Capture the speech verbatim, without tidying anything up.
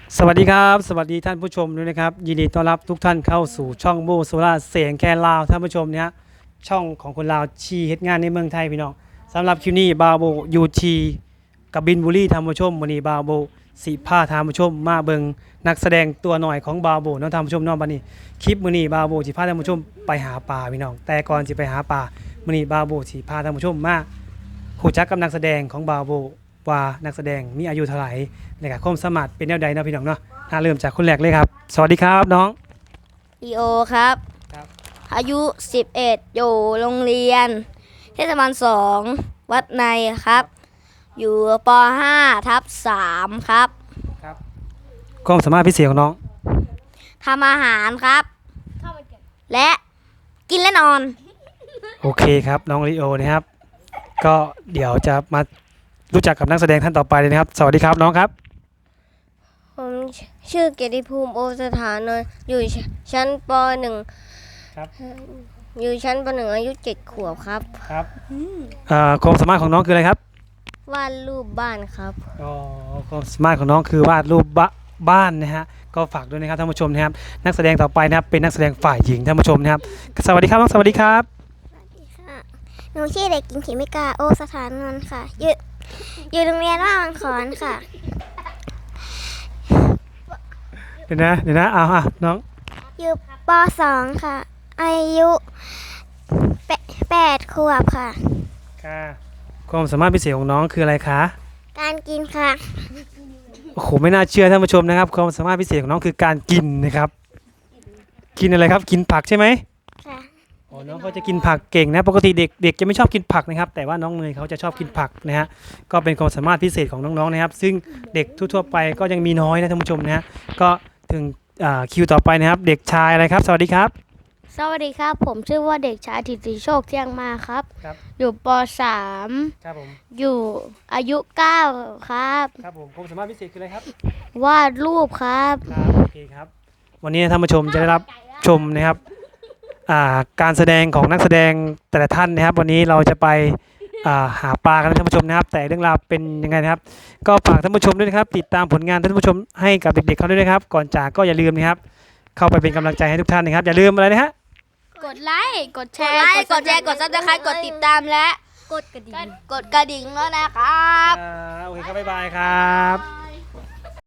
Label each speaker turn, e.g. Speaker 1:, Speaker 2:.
Speaker 1: สวัสดีครับสวัสดีท่านผู้ชมด้วยนะครับยินดีต้อนรับทุกท่านเข้าสู่ช่องโบโซล่าเสียงแคนลาวท่านผู้ชมเนี่ยช่องของคนลาวชีเฮ็ดงานในเมืองไทยพี่น้องสำหรับคิวนี้บาโบยูทีกับบินบุรีท่านผู้ชมวันนี้บาโบสีผ้าท่านผู้ชมมาเบิงนักแสดงตัวหน่อยของบาโบน้องท่านผู้ชมน้องบันนี้คลิปมื้อนี้บาโบสิพาท่านผู้ชมไปหาปลาพี่น้องแต่ก่อนสิไปหาปลามื้อนี้บาโบสิพาท่านผู้ชมมารู้จักกับนักแสดงของบาโบว่านักแสดงมีอายุเท่าไหร่ในการความสามารถเป็นแนวใดเนาะพี่น้องเนาะ ถ้าเริ่มจากคนแรกเลยครับ สวัสดีครับน้อง
Speaker 2: ลีโอครับ
Speaker 1: ครับ
Speaker 2: อายุสิบเอ็ดอยู่โรงเรียนเทศบาลสองวัดในครับ อยู่ป ห้า ทับสามครับ
Speaker 1: ครับความสามารถพิเศษของน้อง
Speaker 2: ทำอาหารครับ และกินและนอน
Speaker 1: โอเคครับน้องลีโอนะครับ ก็เดี๋ยวจะมารู้จักกับนักแสดงท่านต่อไปเลยนะครับ สวัสดีครับน้องครับ
Speaker 2: ผมชื่อเกียรติภูมิโอสถานนท์อยู่ชั้นป หนึ่ง
Speaker 1: ครับ
Speaker 2: อยู่ชั้นป หนึ่งอายุเจ็ดขวบครับ
Speaker 1: ครับอ่าความสามารถของน้องคืออะไรครับ
Speaker 2: วาดรูปบ้านครับ
Speaker 1: อ๋อความสามารถของน้องคือวาดรูปบะบ้านนะฮะ ก็ฝากด้วยนะครับท่านผู้ชมนะครับ นักแสดงต่อไปนะครับเป็นนักแสดงฝ่ายหญิงท่านผู้ชมนะครับ สวัสดีครับน้องสวัสดีครับ
Speaker 3: หนูชื่อเด็กหญิงเขมิกาโอสถานนนท์ค่ะอยู่อยู่โรงเรียนว่ามังขอนค่ะ
Speaker 1: เดี๋ยวนะเดี๋ยวนะเอาอ่ะน้อง
Speaker 3: อยู่ป สอง ค่ะ อายุแปแปดขวบค่ะ
Speaker 1: ค่ะความสามารถพิเศษของน้องคืออะไรคะ
Speaker 3: การกินค่ะ
Speaker 1: โอ้โหไม่น่าเชื่อท่านผู้ชมนะครับความสามารถพิเศษของน้องคือการกินนะครับกินอะไรครับกินผักใช่ไหม
Speaker 3: ค่ะ
Speaker 1: อ๋อน้องเขาจะกินผักเก่งนะปกติเด็กเด็กจะไม่ชอบกินผักนะครับแต่ว่าน้องเนยเขาจะชอบกินผักนะฮะก็เป็นความสามารถพิเศษของน้องๆนะครับซึ่งเด็กทั่วๆไปก็ยังมีน้อยนะท่านผู้ชมนะฮะก็ถึงอ่าคิวต่อไปนะครับเด็กชายอะไรครับสวัสดีครับ
Speaker 2: สวัสดีครับ ผมชื่อว่าเด็กชายถิติโชคเที่ยงมาครับ
Speaker 1: ครับ
Speaker 2: อยู่ป สาม
Speaker 1: ครับผม
Speaker 2: อยู่อายุเก้าครับ
Speaker 1: ครับผมความสามารถพิเศษคืออะไรครับ
Speaker 2: วาดรูปครับ
Speaker 1: ครับโอเคครับวันนี้ท่านผู้ชมจะได้รับชมนะครับอ่าการแสดงของนักแสดงแต่ละท่านนะครับ วันนี้เราจะไปอ่าหาปลากันนะท่านผู้ชมนะครับ แต่เรื่องราวเป็นยังไงนะครับ ก็ฝากท่านผู้ชมด้วยนะครับ ติดตามผลงานท่านผู้ชมให้กับเด็กๆเขาด้วยนะครับ ก่อนจากก็อย่าลืมนะครับ เข้าไปเป็นกำลังใจให้ทุกท่านนะครับ อย่าลืมอะไรนะฮะ
Speaker 2: กดไลค์กดแชร์ กดแชร์ กดซับสไครต์กดติดตามและ กดกระดิ่ง กดกระดิ่งแล้วนะครับ
Speaker 1: อ่าโอเคครับบ๊ายบายครับ